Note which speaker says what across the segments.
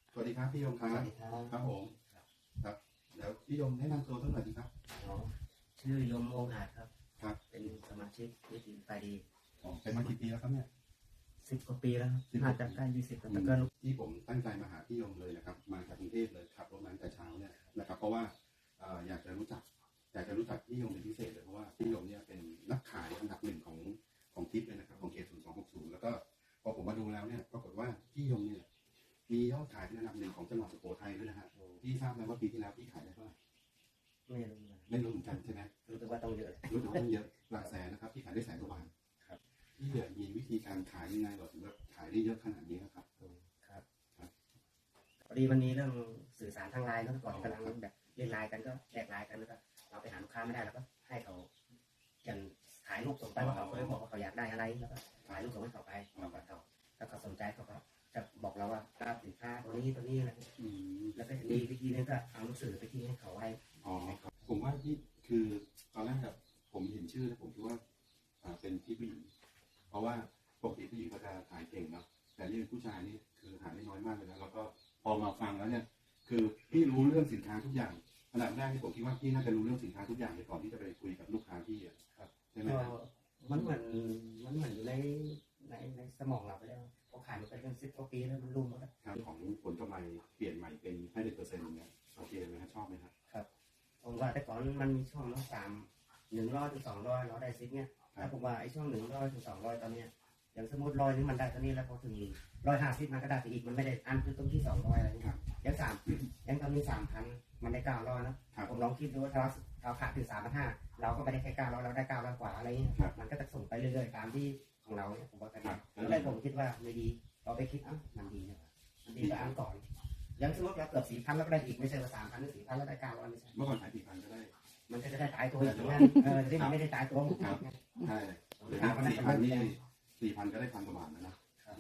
Speaker 1: สวัสดีครับพี่ยงครับ
Speaker 2: สวัสดีครับ
Speaker 1: ครับผมครับเดี๋ยวพี่ยงแนะนำตัวสักหน่อยดีครับ
Speaker 2: ชื่อยมองค์อาจครับ
Speaker 1: ครับ
Speaker 2: เป็นสมาชิกนิติไฟดี
Speaker 1: เป็นมากี่ปีแล้วครับเนี่ย
Speaker 2: 10 กว่าปีแล้วครับ
Speaker 1: 10
Speaker 2: น่าจะใกล้20แล้วแต่ก็
Speaker 1: ที่ผมตั้งใจมาหาพี่ยงเลยนะครับมาจากกรุงเทพเลยขับรถมาตั้งแต่เช้าเนี่ยนะครับเพราะว่าอยากจะรู้จักพี่ยงเป็นพิเศษเลยเพราะว่าพี่ยงเนี่ยเป็นนักขายอันดับหนึ่งของทิปเลยนะครับของเขต0260แล้วก็พอผมมาดูแล้วเนี่ยปรากฏว่าพี่ยงเนี่ยมียอดขายเป็นอันดับหนึ่งของจังหวัดสุโขทัยด้วยนะฮะพี่ทราบไหมว่าปีที่แล้วพี่ขายได้เท่าไหร่
Speaker 2: ไม่รู้นะ
Speaker 1: ไม่รู้เหมือนกันใช่ไหม
Speaker 2: รู้แต่ว่าต้องเยอะ
Speaker 1: รู้สึกว่าต้องเยอะหลักแสนนะครับที่ขายได้แสนกว่าบาทครับที่เหลือมีวิธีการขายยังไงหรอถึงแบบขายได้เยอะขนาดนี้ครับ
Speaker 2: ครับพอดีวันนี้เรื่องสื่อสารทางไลน์แล้วก่อนกำลังแบบเล่นไลน์กันก็แลกไลน์กันแล้วก็เราไปหาลูกค้าไม่ได้แล้วก็ให้เขาอย่างถ่ายรูปส่งไปว่าเขาเคยบอกว่าเขาอยากได้อะไรแล้วก็ถ่ายรูปส่งให้เขาไปแล้วเขาสนใจเขาก็จะบอกเราว่ารับสินค้าตัวนี้อะไรแล้วก็มีวิธีนึงก็เอาหนังสือไปที่ให้เขาไว้
Speaker 1: อ๋อครับผมว่าที่คือตอนแรกแบบผมเห็นชื่อแล้วผมคิดว่าเป็นพี่ผู้หญิงเพราะว่าปกติผู้หญิงก็จะขายเก่งเนาะแต่นี่ผู้ชายนี่คือหาได้น้อยมากเลยนะแล้วก็พอมาฟังแล้วเนี่ยคือพี่รู้เรื่องสินค้าทุกอย่างขนาดแรกที่ผมคิดว่าพี่น่าจะรู้เรื่องสินค้าทุกอย่างเลยก่อนที่จะไปคุยกับลูกค้าพี่อ่ะครับใช่ไหม
Speaker 2: ก็
Speaker 1: ครับ
Speaker 2: มันเหมือนอยู่ในสมองเราไปแล้วพอขายมันไปเป็น10 กว่าปีแล้วมันลุ่มแล้ว
Speaker 1: ครับของผลกำไรเปลี่ยนใหม่เป็น50%อย่างเงี้ยโอเคไหมครับชอบไหมครับ
Speaker 2: ครับผมว่าแต่ก่อนมันมีช่องละ100 ถึง 200เราได้ซิปเนี่ยถ้าผมว่าไอ้ช่อง100 ถึง 200ตอนเนี้ยอย่างสมมติ100นึงมันได้ตอนนี้แล้วพอถึง150มันก็ได้ไปอีกมันไม่ได้อันคือตรงที่200อะไรนี่ยังตอนนี้3,000มันได้900นะผมลองคิดดูว่าถ้าเราขาดถึง3,500เราก็ไม่ได้แค่900เราได้900 กว่าอะไรเงี้ยมันก็จะส่งไปเรื่อยๆตามที่ของเราเนี่ยผมว่ากันแล้วเลยผมคิดว่าไม่ดีเราไปคิดมันดีนะมันดีกว่าอันก่อนยังสมมติเราเกือบ4,000แล้วก็ได้อีกไม่ใช่ว่า3,000หรือ4,000แล้วได้900ไม่ใช่
Speaker 1: เมื่อก่อนขาย4,000ก็ได้
Speaker 2: มันก็จะได้ตายตัวอย่างนั้นที่มันไม่ได้ตายตัวหมดไง
Speaker 1: ใช่หรือ4,000นี่4,000ก็ได้1,000 กว่าบาทนะ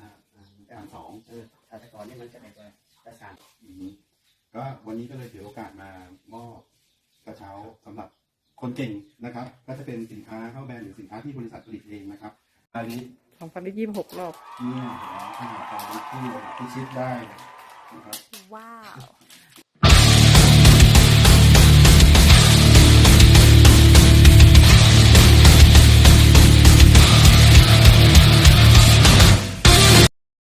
Speaker 1: 1,200
Speaker 2: แต่ก่อนนี่มันจะได้ประสาน
Speaker 1: ก็วันนี้ก็เลยถือโอกาสมามอบกระเช้าสำหรับคนเก่งนะครับก็จะเป็นสินค้าเข้าแบรนด์หรือสินค้าที่บริษัทผลิตเองนะครับอันนี้
Speaker 3: 2,026 รอบ
Speaker 1: เนี่ยขนาดการที่ชิดได้นะครับ
Speaker 3: ว้าว